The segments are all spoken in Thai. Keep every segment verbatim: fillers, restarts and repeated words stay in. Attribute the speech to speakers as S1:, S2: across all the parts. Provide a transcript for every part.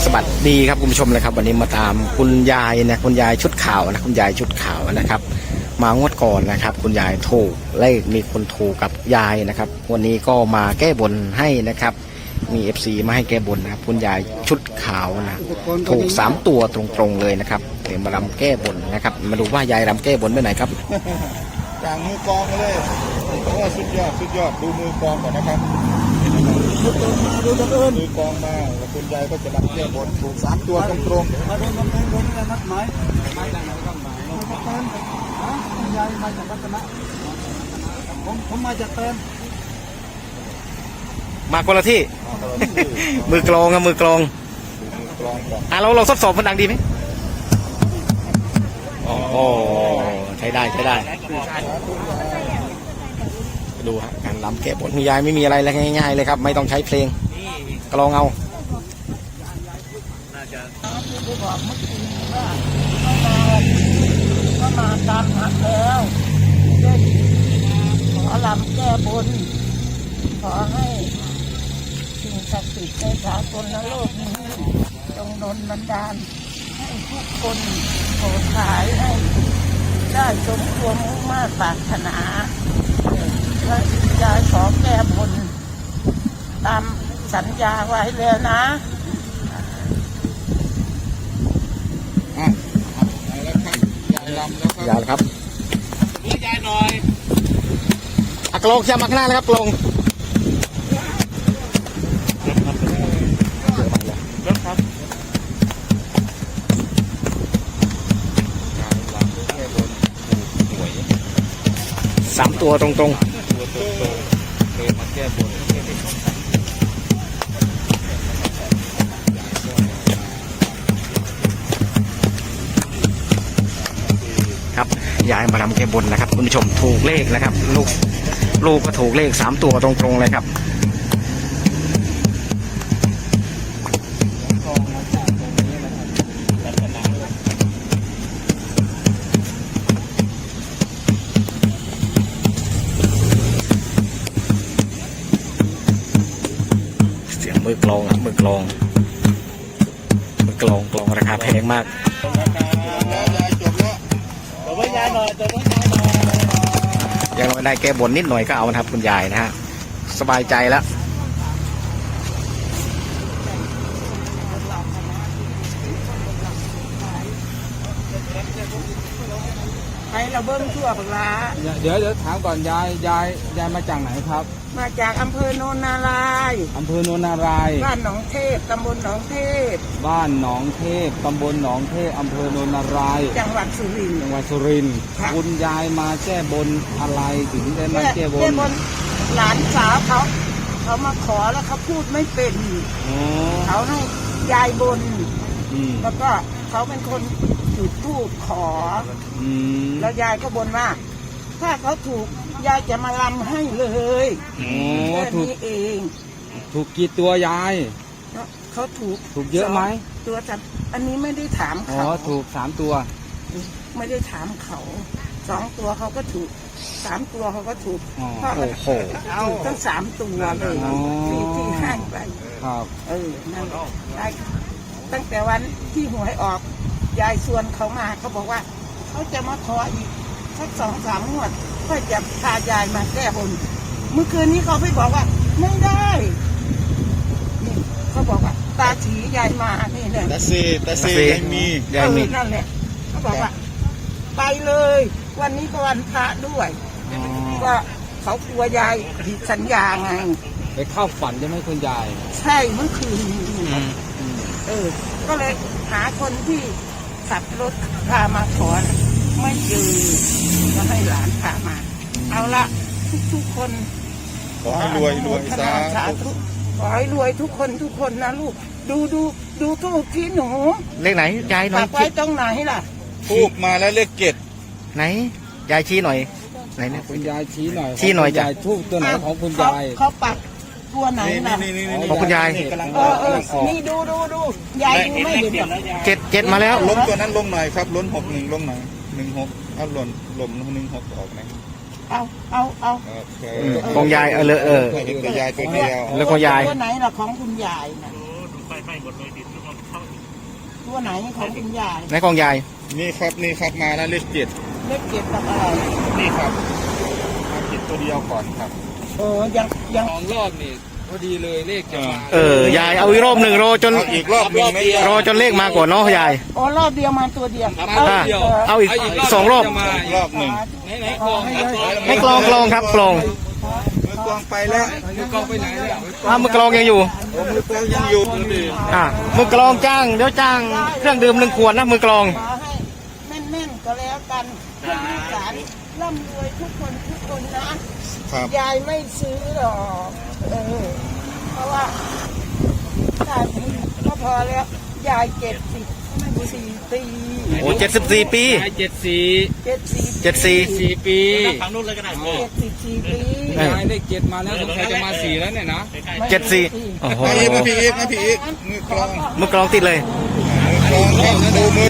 S1: วัสดีครับคุณผู้ชมนะครับวันนี้มาตามคุณยายนะคุณยายชุดขาวนะคุณยายชุดขาวนะครับมางวดก่อนนะครับคุณยายถูกเลขมีคนถูกกับยายนะครับวันนี้ก็มาแก้บนให้นะครับมีเอฟซีมาให้แก้บนนะครับคุณยายชุดขาวนะถูกสามตัวตรงๆเลยนะครับเดี๋ยวมารำแก้บนนะครับมาดูว่ายายรำแก้บนไปไหนครับ
S2: จากมือกองเลยโอ้สุดยอดสุดยอดดูมือกองก่อนนะครับดูตัวอื่นมือกองมาแล้วคุณยายก็จะรำแก้บนถูกสามตัวตรงๆมาโดนกำแพงโดนอะไรนัดหมายมาจากไหนก็หมายมาจากเติมฮะคุณยายมาจากรัตนะผมผมมาจากเติม
S1: มาคนละที่ มือกลองครับมือกลองอ่ะเราเราทดสอบมันดังดีไหมโอ้โหใช้ได้ใช้ได้ดูฮะการรำแก้บนคุณยายไม่มีอะไรเลยง่ายๆเลยครับไม่ต้องใช้เพลงกลองเอา
S3: ก็มาตามหักแล้วขอรำแก้บนขอให้สิ่งศักดิ์สิทธิ์ในสากลโลกนี้จงดลบันดาลให้ทุกคนโปรดขายให้ได้สมความมุ่งมั่นปรารถนาและยายขอแก้บนตามสัญญาไว้แล้วนะ
S1: ยายครับยายหน่อยอักลงจะมาข้างหน้านะครับกลงสามตัวตรงๆครับยายมาทำแก้บนนะครับคุณผู้ชมถูกเลขนะครับลูกลูกก็ถูกเลขสามตัวตรงๆเลยครับเสียงมือกลองอ่ะมือกลองมือกลองกลองราคาแพงมากยังไม่ได้แก้บนนิดหน่อยก็เอานะครับคุณยายนะฮะสบายใจแล้ว
S3: ไปเราเบิ้งทั่วปลา
S2: เดี๋ยวเดี๋ยวถามก่อนยายยายยายมาจากไหนครับ
S3: มาจากอำเภอโนนนารายณ์
S2: อำเภอโนนนารายณ์
S3: บ้านหนองเทพตำบลหนองเทพ
S2: บ้านหนองเทพตำบลหนองเทพอำเภอโนนนารายณ์
S3: จังหวัดสุรินทร์
S2: จังหวัดสุรินทร์คุณยายมาแก้บนอะไรถึงได้มาแก้บน
S3: หลานสาวเขาเขามาขอแล้วเขาพูดไม่เป็นเขาให้ยายบนแล้วก็เขาเป็นคนจุดธูปขอแล้วยายก็บนว่าถ้าเขาถูกยายจะมาลำให้เลยแค่นี้เอง
S2: ถูกกี่ตัวยาย
S3: เขาถูก
S2: ถูกเยอะไหม
S3: ตัวจับอันนี้ไม่ได้ถามเขา
S2: อ๋อถูกสามตัว
S3: ไม่ได้ถามเขาสองตัวเขาก็ถูกสามตัวเขาก็ถูก
S1: โอ้โห
S3: ถูกทั้งสามตัวเลยที่ที่ให้ไป
S2: ครับ
S3: เออนั่นได้ตั้งแต่วันที่หวยออกยายชวนเขามาเขาบอกว่าเขาจะมาขออีกสักสองสามงวดเพื่อจะพายายมาแก้บนเมื่อคืนนี้เขาไปบอกว่าไม่ได้นี่เขาบอกว่าตาฉียายมานี่เนี่ย
S2: ตาซีตาซียังมี
S3: ยังมีนั่นแหละเขาบอกว่าไปเลยวันนี้ก็วันพระด้วยก็เขากลัวยายผิดสัญญาไง
S2: ไปเข้าฝันจะไม่คุณยาย
S3: ใช่เมื่อคืนนี้เออก็เลยหาคนที่ขับรถพามาขอไม่เจอก็ให้หลานพามาเอาละทุกๆคน
S2: ขอให้รวยรวยสาธุ
S3: ขอให้รวยทุกคนทุกคนนะลูกดูดูดูทูบที่หนู
S1: เลขไหนยายหน่อย
S3: ปักไว้ตรงไหนล่ะ
S2: ทูบมาแล้วเลขเจ็ด
S1: ไหนยายชี้หน่อยไหนเนี่ย
S2: คุณยายชี้หน่อย
S1: ชี้หน่อยจ้ะ
S2: ทูบตัวไหนของคุณยาย
S3: เขาปักตัวไหนนะ
S1: ของคุณยาย
S3: เออเออนี่ดูดูดูยายดูไม่เห็น
S1: เจ็ดเจ็ดมาแล้ว
S2: ล้มตัวนั้นลงหน่อยครับล้นหกหนึ่งลงหน่อยหนึ่งหกเอาหล่นหล่มหนึ่งหกออกไหม
S3: เอาเอาเอา
S1: ของยายเออเออ
S2: เห็นแต่ยายตัวเดียว
S1: แล้วของยาย
S3: ตัวไหนล่ะของคุณยายนะ
S4: ให้หมดเลยดินแล้วก็เข้า
S3: ตัวไหนของคุณยาย
S1: ในกองยาย
S2: นี่ครับนี่ครับมาแล้วเลขเจ็ด
S3: เลขเจ็ดกับอะไร
S2: นี่ครับมาเจ็ดตัวเดียวก่อนครับ
S3: เออยังยัง
S4: สองรอบนี่พอดีเลยเลขจะมา
S1: เออยายเอาอีกรอบหนึ่งรอจน
S2: เอาอีกรอบหนึ่งไหม
S1: รอจนเลขมาก่อนเนาะยาย
S3: อ๋อรอบเดียวมาตัวเดียว
S4: ครับ
S3: เอา
S4: รอบเดียว
S1: เอาอีกสองรอบ
S4: จะมา
S2: รอบหนึ่ง
S4: ไหนไหนกลองครับ
S1: ให้กลองกลองครับกลอง
S2: มือกลองไปแล้ว
S4: มือกลองไปไหนแล้ว
S1: อ้าวมือกลองยังอยู่
S2: โอ้มือกลองยังอยู่ดี
S1: อ่ามือกลองจ้างเดี๋ยวจ้างเครื่องดื่มหนึ่งขวดนะมือกลอง
S3: ขอให้แม่นๆก็แล้วกันเพื่อลูกหลานร่ำรวยทุกคนทุกคนนะครับ ยายไม่ซื้อหรอกเออเพราะว่าถ้ามีก็พอแล้วยายเจ็ดสิบสี่ปี
S1: โอ้เจ็ดสิบสี่ปี
S4: ได้เจ็ดสี่
S3: เจ็ดสิบ
S1: เจ็ดสี่
S4: สี่ปี
S5: ฝั่งนู้นเลยก็ได้
S3: เจ็ดสิบสี่ปี
S1: เออ
S4: ได้เลขเจ็ดมาแล้วสงสัยจะมาสี่แล้วเนี่ยนะ
S1: เจ็ดสี่โอ้โห
S2: มาอีกมาพี่อีกมาพี่อีกมือกลอง
S1: มือกลองติดเลย
S2: มือกลองครับดูมือ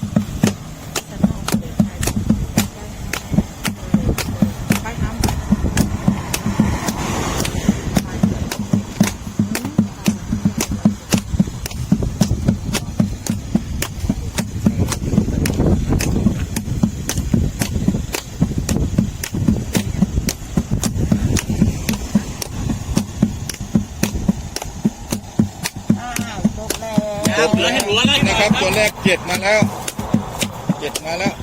S3: อ้าวจบแล้ว
S2: จบแล้วนะครับตัวแรกเจ็ดมาแล้วเจ็ดมาแล้ว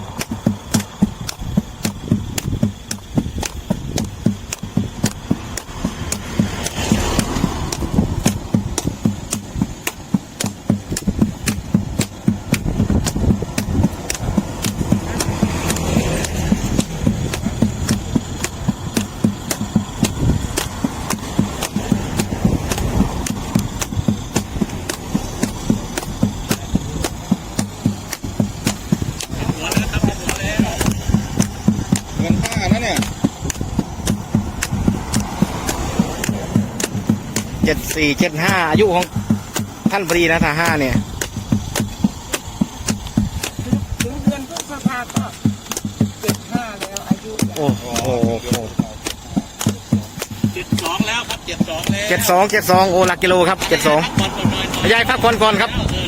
S2: เงินห้านะเนี่ย
S1: เจ็ดสี่เจ็ดห้าอายุของท่านปรีนะท่าห้าเนี่ย
S3: ถึงเดือนพฤษภาก็เจ็ดห้าแล้วอายุ
S1: โอ้โห
S5: เจ็ดสองแล้วครับเจ็ดสองแล้ว
S1: เจ็ดสองเจ็ดสองโอ้หลักกิโลครับเจ็ดสอง
S5: ก่อนก่อนหน่อยหน่อย
S1: ยายพักก่อนก่อนครับ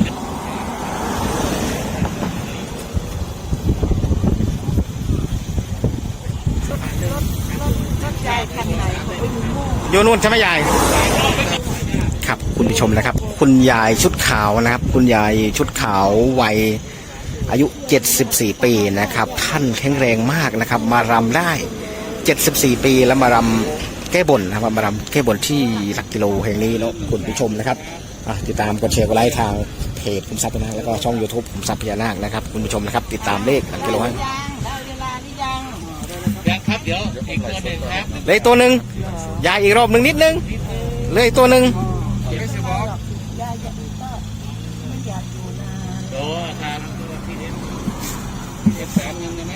S3: รถยายคันไหนเขาไปดูโม่
S1: อยู่นู่นใช่ไหมยายครับคุณผู้ชมนะครับ คุณยายชุดขาวนะครับ คุณยายชุดขาววัยอายุเจ็ดสิบสี่ปีนะครับ ท่านแข็งแรงมากนะครับ มารำได้เจ็ดสิบสี่ปีแล้วมารำแก้บนนะครับมารำแก้บนที่หลักกิโลแห่งนี้เนาะคุณผู้ชมนะครับอ่ะติดตามกดแชร์กดไลค์ทางเพจคุมทรัพย์นะแล้วก็ช่อง YouTube คุมทรัพย์พญานาคนะครับคุณผู้ชมนะครับติดตามเลขหลักกิโลให้
S3: ยังได้เวลาหรือยัง
S5: ยังครับเดี๋ยวอีกตัวหนึ่งครับ
S1: เลยตัวหนึ่งยายอีกรอบหนึ่งนิดนึงเลยตัวหนึ่ง
S4: ไม่ใช่บอก
S3: ยายจะก็ไม่อยากอยู่นาน
S5: โอ้ครับที่นี้
S4: เจ็ดแสนเงินนะนะ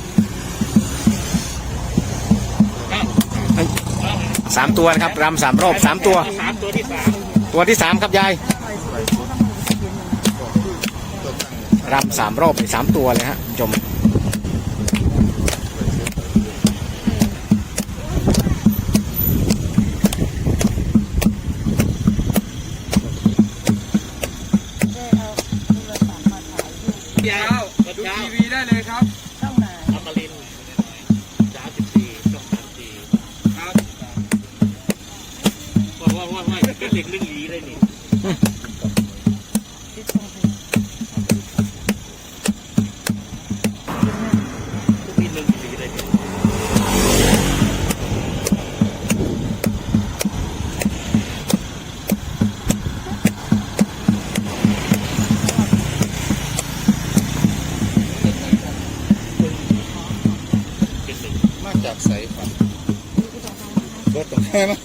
S1: สามตัวนะครับรำสามรอบสามตัว
S5: สามตัวที่สาม
S1: ตัวที่สามครับยายรำสามรอบสามตัวเลยฮะคุณผู้ชม
S3: ได้เอาโทรศัพท์มาถ่ายรูป
S5: ยา
S4: เช้าว ดูทีวีได้เลยครับ
S3: ช่องไหน
S5: อมรินทร์สามสิบสี่ช่องสามสี่
S4: ครับ
S5: ว่าว่าว่าว่าเป็นเด็กเรื่องลีเลยนี่
S3: ที่ช่องไหน
S5: ทุกปีเรื่องลีเลยนี่เป็นหนึ่ง
S2: มาจากใสครับรถตรงไหนมั้ย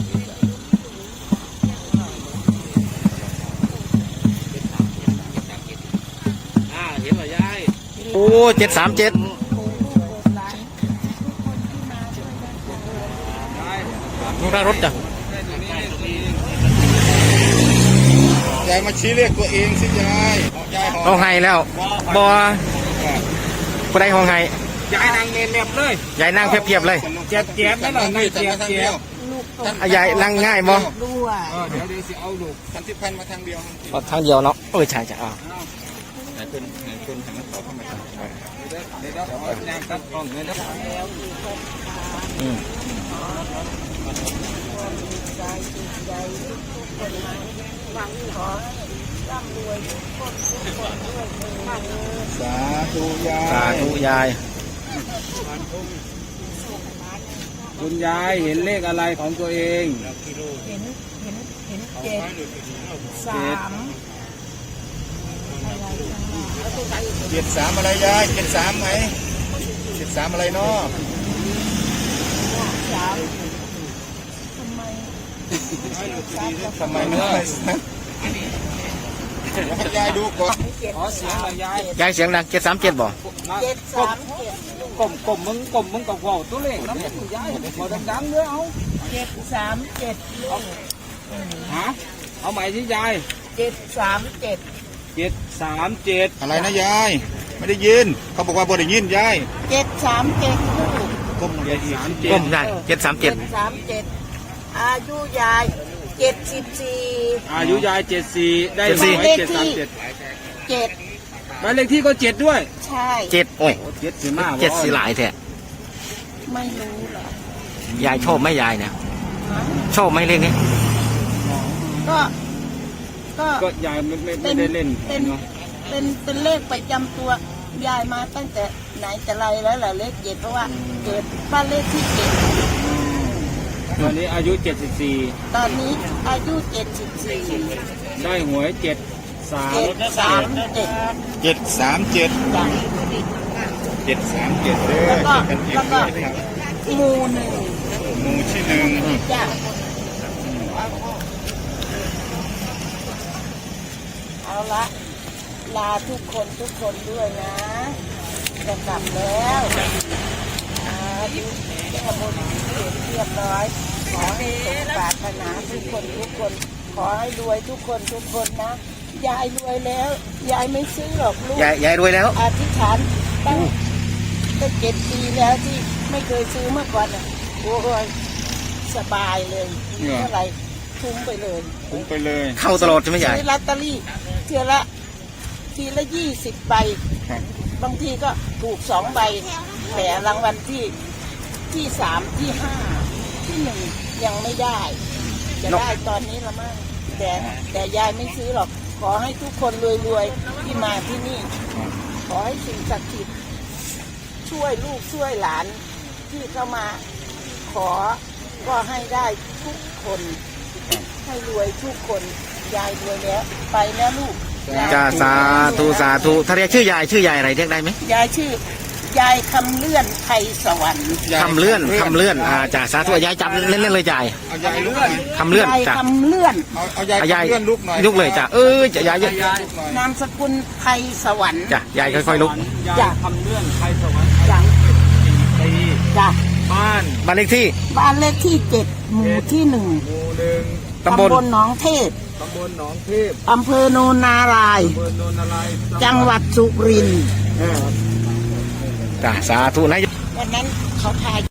S5: อ่าเห็นเหรอยาย
S1: โอ้เจ็ดสามเจ็ด
S3: โอ้ลูกโบราณทุกคนที่มาช่วยกันโอ้
S4: ได้
S1: ลูกรถจ้ะ
S4: ได้ตัวนี้ได้ตัวนี้
S2: ยายมาชี้เลขตัวเองสิยายเอายายหอ
S1: ห้องไห้แล้วบอผู้ใดห้องไห้
S4: ย้ายนางเนนเน็บเลย
S1: ยายนั่งเพียบๆเลย
S4: เจ็บเจ็บนั่นหน่อยนั่งเจ็บเจ็บ
S3: ลูก
S1: อ่ะยายนั่งง่ายบ่
S3: ด้วย
S4: เออเดี๋ยวเดี๋ยวสิเอาลูก
S2: พันทิพย์พันมาทางเดียว
S1: เอาทางเดียวเนาะเออใช่ใช่อ่ะ
S2: ไหนคุณไหนคุณหันต่อเข้ามา
S4: เดี๋ยวเดี๋ยวเดี๋ยวเอาแนวตัดกล้องเลยนะ
S3: แล้วมีคนทาน
S1: อืม
S3: ใจจิตใจทุกคนมาหวังขอให้ร่ำรวยทุกคนทุกคนด้วยเถิด
S2: สาธุยา
S1: สาธุยาย
S4: คุณยายเห็นเลขอะไรของตัวเอง
S3: เห็นเห็นเห็นเจ็ดสามอะไรข้างหน้า
S2: เจ็ดสามอะไรยายเจ็ดสามไหมเจ็ดสามอะไรเนาะ
S3: สามทำไมสามกับ
S2: ทำไมเนาะให้ยายดูก่อน
S3: เจ็ด
S4: ขอเสียงหน่อยยาย
S1: ยายเสียงดังเจ็ดสามเจ็ดบ่
S3: เจ็ดสามเจ็ด
S4: กลมกลมมึงกลมมึงกับว่าวตัวเลขน้ำมันยายพอดังๆด้วยเอา
S3: เจ็ดสามเจ็ดลูก
S4: ฮะเอาใหม่ที่ยาย
S3: เจ็ดสามเจ็ด
S4: เจ็ดสามเจ็ด
S2: อะไรนะยายไม่ได้ยินเขาบอกว่าบ่ได้ยินยาย
S3: เจ็ดสามเจ็ดลูก
S2: ก้มลงไปอีก
S4: สามเจ็ด
S1: ก้มได้เจ็ดสามเจ็ด
S3: สามเจ็ดอายุยายเจ็ดสิบสี่
S4: อายุยายเจ็ดสี่ได้หวยเจ็ดสามเจ็ด
S3: เจ็ด
S4: บ้านเลขที่ก็เจ็ดด้วย
S3: ใช่
S1: เจ็ดโอ้ย
S4: โอ้เจ็ดสิมาก
S1: เจ็ดสีหลายแท้
S3: ไม่รู้เหรอย
S1: ายชอบไหมยายเนี่ยชอบไหมเลขนี้
S3: ก็ ก็
S4: ก็ยายไม่ไม่ไม่ได้เล่น
S3: เป็น
S4: เนาะ
S3: เป็นเป็นเลขประจำตัวยายมาตั้งแต่ไหนแต่ไรแล้วแหละเลขเจ็ดเพราะว่าเกิดบ้านเลขที่เจ็ด
S4: ตอนนี้อายุเจ็ดสิบสี่
S3: ตอนนี้อายุเจ็ดสิบสี่
S4: ได้หวยเจ็ดสาม
S3: เจ็ดสามเจ็ด
S2: เจ็ดสามเจ็ด
S3: จ้ะ
S2: เจ็ดสามเจ็ดเด้อ
S3: แล้วก็
S2: กันเอง
S3: แล้วก็
S2: ด้วยครับ
S3: หมู่หนึ่ง
S2: หมู่ที่หนึ่ง
S3: จ้ะเอาละลาทุกคนทุกคนด้วยนะจะกลับแล้วอายุแก้บนเสร็จเรียบร้อย ขอให้สมปรารถนาทุกคนทุกคน ขอให้รวยทุกคนทุกคนนะ ยายรวยแล้ว ยายไม่ซื้อหรอกลูก
S1: ยายยายรวยแล้ว
S3: อธิษฐานตั้งตั้งเจ็ดปีแล้วที่ไม่เคยซื้อเมื่อก่อนอ่ะโอ้ยสบายเลยเท่าไหร่ทุ่มไปเลย
S2: คุ้มไปเลย
S1: เข้าตลอดใช่ไหมยาย
S3: ซื้อลอตเตอรี่เทียละทีละยี่สิบใบ
S2: ครับ
S3: บางทีก็ถูกสองใบแต่รางวัลที่ที่สามที่ห้าที่หนึ่งยังไม่ได้ จะได้ตอนนี้ละมั้งแต่แต่ยายไม่ซื้อหรอก ขอให้ทุกคนรวยๆที่มาที่นี่ ขอให้สิ่งศักดิ์สิทธิ์ช่วยลูกช่วยหลานที่เข้ามา ขอก็ให้ได้ทุกคน ให้รวยทุกคนยายรวยแล้ว ไปแล้วลูก
S1: จ้าสาธุสาธุถ้าเรียกชื่อยายชื่อยายอะไรเรียกได้ไหม
S3: ยายชื่อยายคำเลื่อนไทยสวรรค์
S1: คำเลื่อนคำเลื่อนอ่าจ้าสาธุยายจับเล่นๆเลยยาย
S2: เอายายลุกหน่อย
S1: คำเลื่อน
S3: ยาย
S1: จ้ะ
S3: คำเลื่อน
S2: เอาเอายาย
S1: อ่ะยาย
S2: เลื่อนลุกหน่อย
S1: ลุกเลยจ้ะเออจะยาย
S2: ยายลุกหน่อย
S3: นามสกุลไทยสวรรค์
S1: จ้ะยายค่อยๆลุก
S4: ยายทำเรื่องใครสวรรค์
S3: จ้ะ
S4: ปี
S3: จ้ะ
S4: บ้าน
S1: บ้านเลขที่
S3: บ้านเลขที่เจ็ดหมู่ที่หนึ่ง
S4: หมู่หนึ่ง
S1: ตำบล
S3: หนองเทพ
S4: ตำบลหนองเทพ
S3: อำเภอโนนนารายณ์
S4: อำเภอโนนอะไร
S3: จังหวัดสุรินทร์
S1: จ้าสาธุนะ
S3: วันนั้นเขาพา